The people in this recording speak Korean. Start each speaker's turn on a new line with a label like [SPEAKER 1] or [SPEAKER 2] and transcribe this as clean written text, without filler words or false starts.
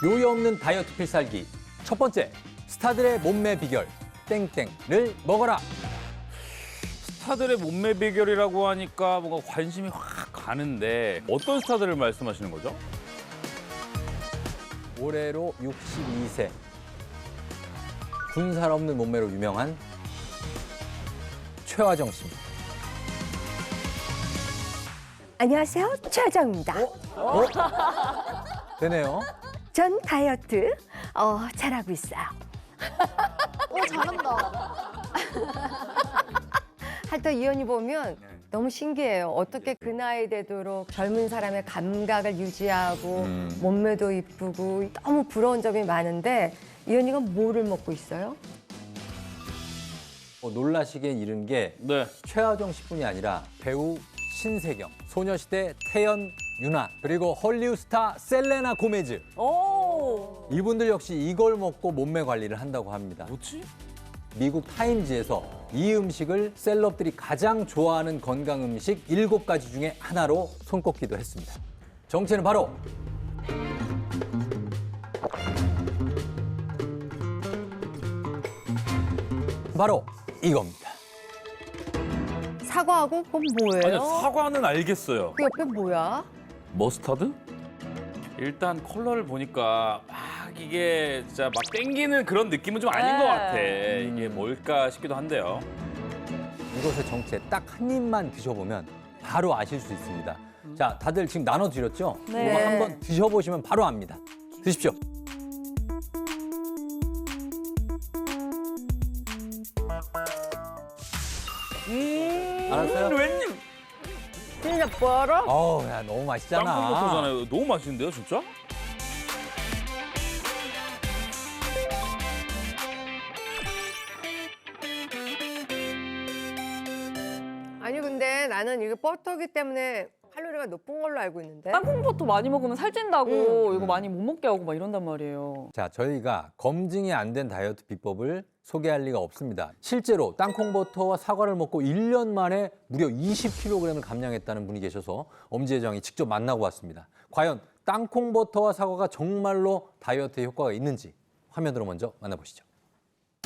[SPEAKER 1] 요요 없는 다이어트 필살기. 첫 번째, 스타들의 몸매 비결. 땡땡을 먹어라.
[SPEAKER 2] 스타들의 몸매 비결이라고 하니까 뭔가 관심이 확 가는데 어떤 스타들을 말씀하시는 거죠?
[SPEAKER 1] 올해로 62세. 군살 없는 몸매로 유명한 최화정 씨입니다.
[SPEAKER 3] 안녕하세요. 최하정입니다.
[SPEAKER 1] 되네요.
[SPEAKER 3] 전 다이어트 잘하고 있어요.
[SPEAKER 4] 잘한다.
[SPEAKER 3] 하여튼 이 언니 보면 너무 신기해요. 어떻게 그 나이 되도록 젊은 사람의 감각을 유지하고 몸매도 이쁘고 너무 부러운 점이 많은데 이 언니가 뭐를 먹고 있어요?
[SPEAKER 1] 놀라시게 이른 게
[SPEAKER 2] 네.
[SPEAKER 1] 최하정 씨뿐이 아니라 배우 신세경, 소녀시대 태연, 유나, 그리고 헐리우드 스타 셀레나 고메즈. 이분들 역시 이걸 먹고 몸매 관리를 한다고 합니다.
[SPEAKER 2] 뭐지?
[SPEAKER 1] 미국 타임즈에서 이 음식을 셀럽들이 가장 좋아하는 건강 음식 7가지 중에 하나로 손꼽기도 했습니다. 정체는 바로 이겁니다.
[SPEAKER 3] 사과하고 그건 뭐예요?
[SPEAKER 2] 아니요, 사과는 알겠어요.
[SPEAKER 3] 그 옆에 뭐야?
[SPEAKER 2] 머스타드? 일단 컬러를 보니까 막 이게 진짜 막 땡기는 그런 느낌은 좀 아닌 것 같아. 이게 뭘까 싶기도 한데요.
[SPEAKER 1] 이것의 정체 딱 한 입만 드셔보면 바로 아실 수 있습니다. 자, 다들 지금 나눠드렸죠?
[SPEAKER 3] 네.
[SPEAKER 1] 이거 한번 드셔보시면 바로 압니다. 드십시오. 알았어요?
[SPEAKER 2] 웬님?
[SPEAKER 3] 진짜 뭐라?
[SPEAKER 1] 어우, 야, 너무 맛있잖아.
[SPEAKER 2] 땅콩버터잖아요. 너무 맛있는데요, 진짜?
[SPEAKER 3] 아니 근데 나는 이게 버터기 때문에 칼로리가 높은 걸로 알고 있는데.
[SPEAKER 5] 땅콩버터 많이 먹으면 살찐다고 이거 많이 못 먹게 하고 막 이런단 말이에요.
[SPEAKER 1] 자, 저희가 검증이 안 된 다이어트 비법을 소개할 리가 없습니다. 실제로 땅콩버터와 사과를 먹고 1년 만에 무려 20kg을 감량했다는 분이 계셔서 엄지회장이 직접 만나고 왔습니다. 과연 땅콩버터와 사과가 정말로 다이어트에 효과가 있는지 화면으로 먼저 만나보시죠.